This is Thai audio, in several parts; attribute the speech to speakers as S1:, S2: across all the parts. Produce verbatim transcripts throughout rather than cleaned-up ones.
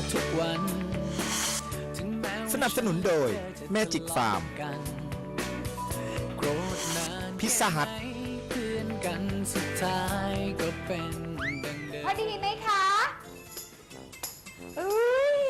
S1: ทุกวัน
S2: สนับสนุนโดย Magic Farm
S1: โกรธนาน
S2: พิซซ่าฮัท
S1: เพื่อนกันสุดท้ายก็เป็นดังเดิม
S3: พอดีไหมคะอุ้ย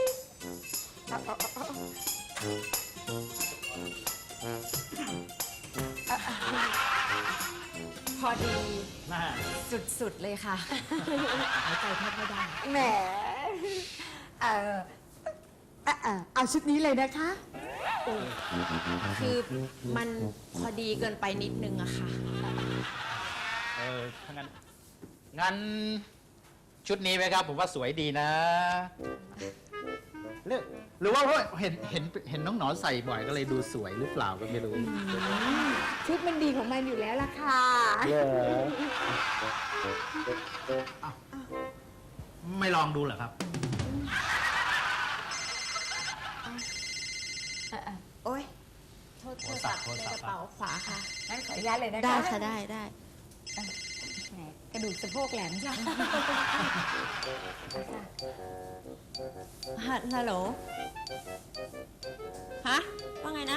S3: พอดีสุดๆเลยค่ะหายใจแทบไม่ได้แหมเออเอาชุดนี้เลยนะคะ
S4: คือมันพอดีเกินไปนิดนึงอะค่ะ
S5: เออถ้างั้นงั้นชุดนี้ไหมครับ ผมว่าสวยดีนะหรือหรือว่าเพราะเห็นเห็นเห็นน้องหนอนใส่บ่อยก็เลยดูสวยหรือเปล่าก็ไม่รู้
S3: ชุดมันดีของมันอยู่แล้วล่ะค่ะ
S5: ไม่ลองดูเหรอครับ
S3: โอ๊ย
S4: โทษโทรศัพท์ในกระเป๋าขวาค่ะ
S3: งั้นขออนุญาตเลยนะคะ
S4: ได้ค่ะได้ได้
S3: แหมกระดูกสะโพกแหลมจ้ะ
S4: ฮัลโหล ฮะ ว่าไงนะ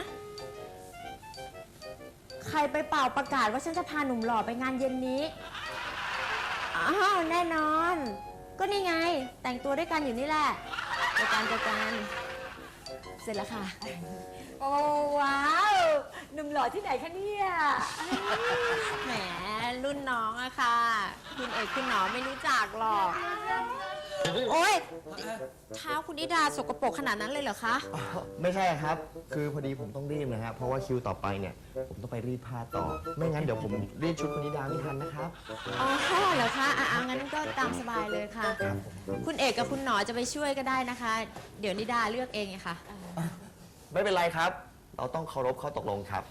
S3: ใครไปเป่าประกาศว่าฉันจะพาหนุ่มหล่อไปงานเย็นนี้ อ้าวแน่นอน ก็นี่ไง แต่งตัวด้วยกันอยู่นี่แหละเจอกันเจอกันเสร็จแล้วค่ะ โอ้ว้าวหนุ่มหล่อที่ไหนคะเนี่ย
S4: แหม รุ่นน้องอะค่ะ คุณเอกคุณหนอไม่รู้จักหรอก โอ๊ย เท้าคุณนิดาสกปรกขนาดนั้นเลยเหรอคะ
S6: ไม่ใช่ครับ คือพอดีผมต้องรีบนะฮะเพราะว่าคิวต่อไปเนี่ย ผมต้องไปรีดผ้าต่อ ไม่งั้นเดี๋ยวผมรีดชุดคุณนิดาไม่ทันนะครับ
S4: อ๋อเหรอคะอ่ะอ่ะงั้นก็ตามสบายเลยค่ะ คุณเอกกับคุณหนอจะไปช่วยก็ได้นะคะ เดี๋ยวนิดาเลือกเองไงค่ะ
S6: ไม่เป็นไรครับ เราต้องเคารพข้อตกลงครับ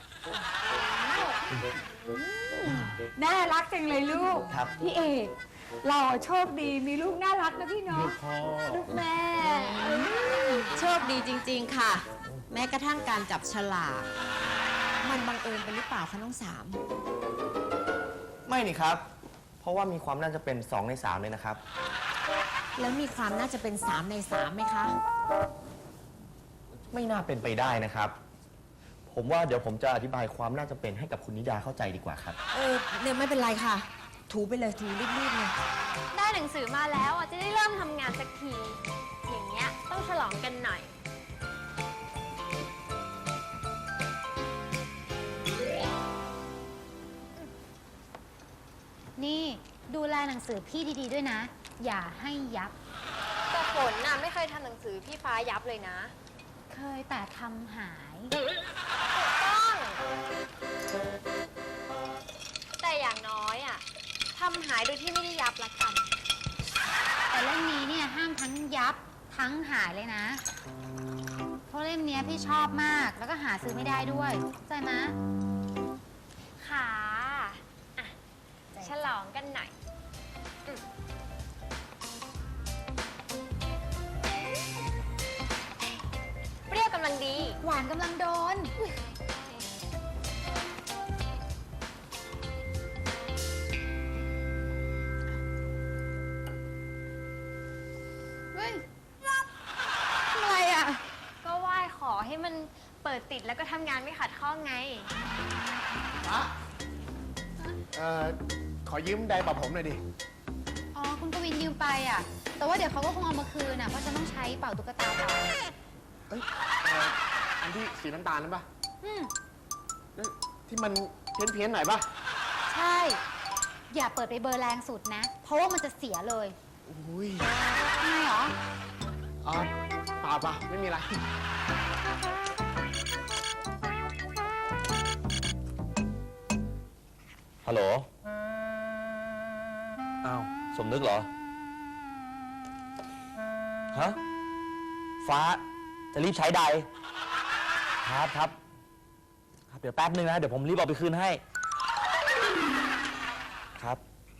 S3: น่ารักจังเลยลูก
S6: ครับ
S3: พี่เอกหล่อโชคดีมีลูกน่ารักนะพี่เนาะลูกแม่
S4: โชคดีจริงๆค่ะ แม้กระทั่งการจับฉลากมันบังเอิญไปหรือเปล่าคะน้องสาม
S6: ไม่นี่ครับ เพราะว่ามีความน่าจะเป็นสองในสามเลยนะครับ
S4: แล้วมีความน่าจะเป็นสามในสามไหมคะ
S6: ไม่น่าเป็นไปได้นะครับ ผมว่าเดี๋ยวผมจะอธิบายความน่าจะเป็นให้กับคุณนิดาเข้าใจดีกว่าครับ
S4: เออเนี่ยไม่เป็นไรค่ะ ถูไปเลยถูรีบๆเลย
S7: ได้หนังสือมาแล้วอ่ะจะได้เริ่มทำงานสักที อย่างเงี้ยต้องฉลองกันหน่อย
S8: นี่ดูแลหนังสือพี่ดีๆด้วยนะ อย่าให้ยับ
S7: แต่ฝนน่ะไม่เคยทำหนังสือพี่ฟ้ายับเลยนะ
S8: เคยแต่ทำหาย
S7: ต้อง แต่อย่างน้อยอ่ะทำหายโดยที่ไม่ได้ยับละกัน
S8: แต่เล่มนี้เนี่ยห้ามทั้งยับทั้งหายเลยนะ เพราะเล่มเนี้ยพี่ชอบมากแล้วก็หาซื้อไม่ได้ด้วยเข้าใจไหม
S7: ค่ะอ่ะฉลองกันหน่อยอืมเปรี้ยวกำลังดี
S8: หวานกำลังโดน
S7: เฮ้ยทำอะไรอ่ะ ก็ไหว้ขอให้มันเปิดติดแล้วก็ทำงานไม่ขัดข้องไง
S9: เอ่อ ขอยืมไดร์ปะผมหน่อยดิ
S8: อ๋อคุณกวินยืมไปอ่ะ แต่ว่าเดี๋ยวเขาก็คงเอามาคืนอ่ะเพราะจะต้องใช้เป่าตุ๊กตาเป่า
S9: เอ้ยเอ่ออันที่สีน้ำตาลนั่นปะ
S8: อืม
S9: เอ้ยที่มันเพี้ยนเพี้ยนๆหน่อยปะ
S8: ใช่ อย่าเปิดไปเบอร์แรงสุดนะ เพราะว่ามันจะเสียเลย
S9: อุ้ย
S8: ทำไมหรอ
S9: อ๋อเปล่าเปล่าไม่มีอะไร
S6: ฮัลโหล อ้าว สมนึกเหรอ ฮะ ฟ้า จะรีบใช้ใด ครับครับ ครับ เดี๋ยวแป๊บนึงนะ เดี๋ยวผมรีบเอาไปคืนให้ ครับ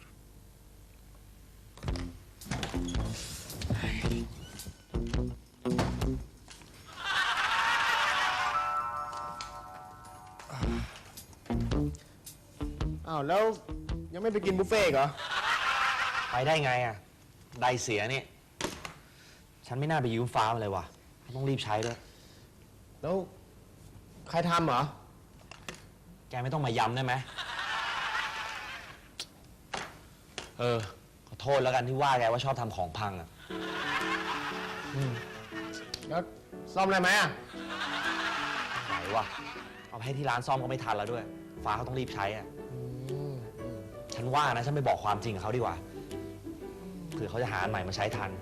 S9: อ้าว แล้วยังไม่ไปกินบุฟเฟ่ต์อีกเหรอ
S6: ไปได้ไงอ่ะ ไดเสียนี่ ใช้ฉันไม่น่าไปยืมฟ้ามาเลยว่ะต้องรีบใช้ด้วย
S9: แล้วใครทำเหรอ
S6: แกไม่ต้องมาย้ำได้ไหม เออ ขอโทษแล้วกันที่ว่าแกว่าชอบทำของพังอ่ะ
S9: แล้วซ่อมอะไรไหมอ่ะ
S6: ไหนวะเอาไปให้ที่ร้านซ่อมก็ไม่ทันแล้วด้วย ฟ้าเขาต้องรีบใช้อ่ะ ฉันว่านะ ฉันไปบอกความจริงกับเขาดีกว่า เผื่อเขาจะหาอันใหม่มาใช้ทัน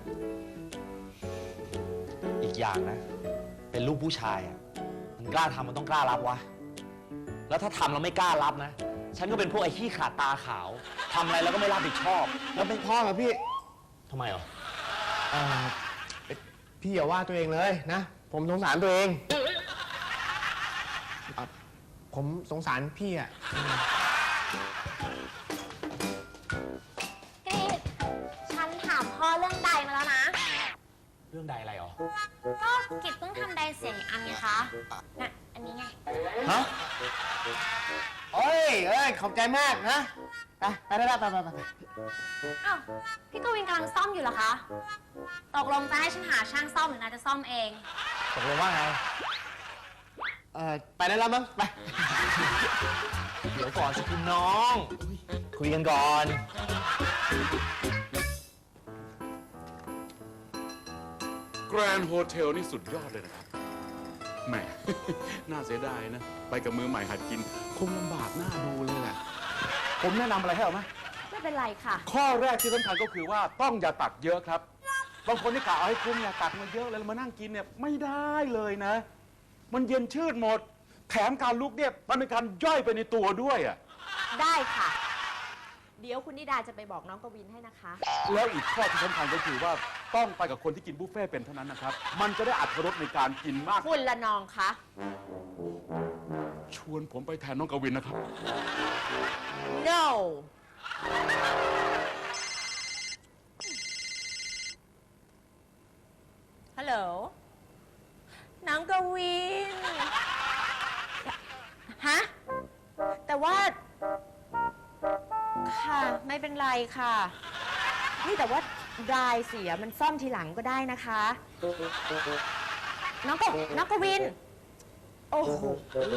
S6: อีกอย่างนะ เป็นลูกผู้ชายอ่ะ มันกล้าทำมันต้องกล้ารับวะ แล้วถ้าทำแล้วไม่กล้ารับนะ ฉันก็เป็นพวกไอ้ขี้ขาดตาขาว ทำอะไรแล้วก็ไม่รับผิดชอบ
S9: แล้วเป็นพ่อเหรอพี่
S6: ทำไมเหรอ
S9: เอ่อพี่อย่าว่าตัวเองเลยนะ ผมสงสารตัวเองอ่ะผมสงสารพี่อ่ะ
S3: กรีดฉันถามพ่อเรื่องใดมาแล้วนะ
S6: เรื่องใดอะไรเหรอ
S3: ก็กิจเพิ่งทำใดเสียงอีกอันไงคะน่ะอันนี้ไง
S9: ฮะโอ้ยเอ้ย ขอบใจมากนะ ไป ไปได้ไปไปไปไป
S3: อ้าว พี่กวินกำลังซ่อมอยู่เหรอคะ ตกลงจะให้ฉันหาช่างซ่อมหรือนายจะซ่อมเอง
S6: ตกลงว่าไง
S9: เอ่อ ไปได้แล้วมั้ง ไป
S6: เดี๋ยวก่อนสิคุณน้อง คุยกันก่อน
S10: แกรนด์โฮเทลนี่สุดยอดเลยนะครับ แหม น่าเสียดายนะ ไปกับมือใหม่หัดกิน คงลำบากหน้าดูเลยแหละ ผมแนะนำอะไรให้เอาไหม
S3: ไม่เป็นไรค่ะ
S10: ข้อแรกที่สำคัญก็คือว่าต้องอย่าตักเยอะครับ บางคนที่กะเอาให้คุ้มเนี่ยตักมาเยอะแล้วมานั่งกินเนี่ยไม่ได้เลยนะ มันเย็นชืดหมด แถมการลุกเนี่ยมันเป็นการย่อยไปในตัวด้วยอ่ะ
S3: ได้ค่ะ เดี๋ยวคุณนิดาจะไปบอกน้องกวินให้นะคะ
S10: แล้วอีกข้อที่สำคัญก็คือว่าต้องไปกับคนที่กินบุฟเฟ่ต์เป็นเท่านั้นนะครับ มันจะได้อรรถรสในการกินมาก
S3: คุณละนองคะ
S10: ชวนผมไปแทนน้องกวินนะครับ
S3: no ฮัลโหล น้องกวิน ฮะ แต่ว่า ค่ะ ไม่เป็นไรค่ะ นี่แต่ว่าดรายเสียมันซ่อมทีหลังก็ได้นะคะ น้องกน้องกวิน โอ้โห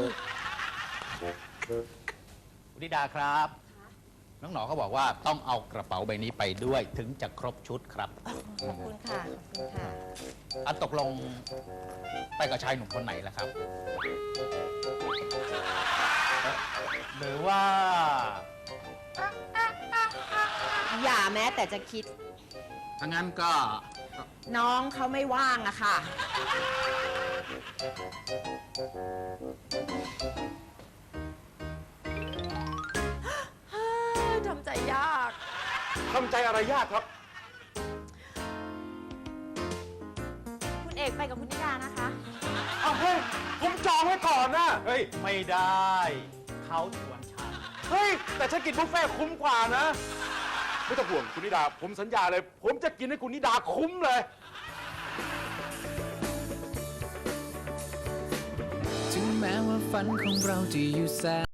S5: คุณธิดาครับ น้องหนอเขาบอกว่าต้องเอากระเป๋าใบนี้ไปด้วยถึงจะครบชุดครับ
S3: ขอบคุณค่ะ ขอบคุณค่ะ
S5: อันตกลงไปกับชายหนุ่มคนไหนล่ะครับ หรือว่า
S3: อย่าแม้แต่จะคิด
S5: ถ้างั้นก็
S3: น้องเขาไม่ว่างอะค่ะ ทำใจยาก
S10: ทำใจอะไรยากครับ
S3: คุณเอกไปกับคุณนิดานะคะ
S10: อ้าวเฮ้ย ผมจองไว้ก่อนนะ
S5: เฮ้ย ไม่ได้ เขาชวนฉัน
S10: เฮ้ย แต่ฉันกินบุฟเฟ่ต์คุ้มกว่านะ ไม่ต้องห่วงคุณนิดา ผมสัญญาเลย ผมจะกินให้คุณนิดาคุ้มเลย
S1: ถึงแม้ว่าฝันของเราจะอยู่แสน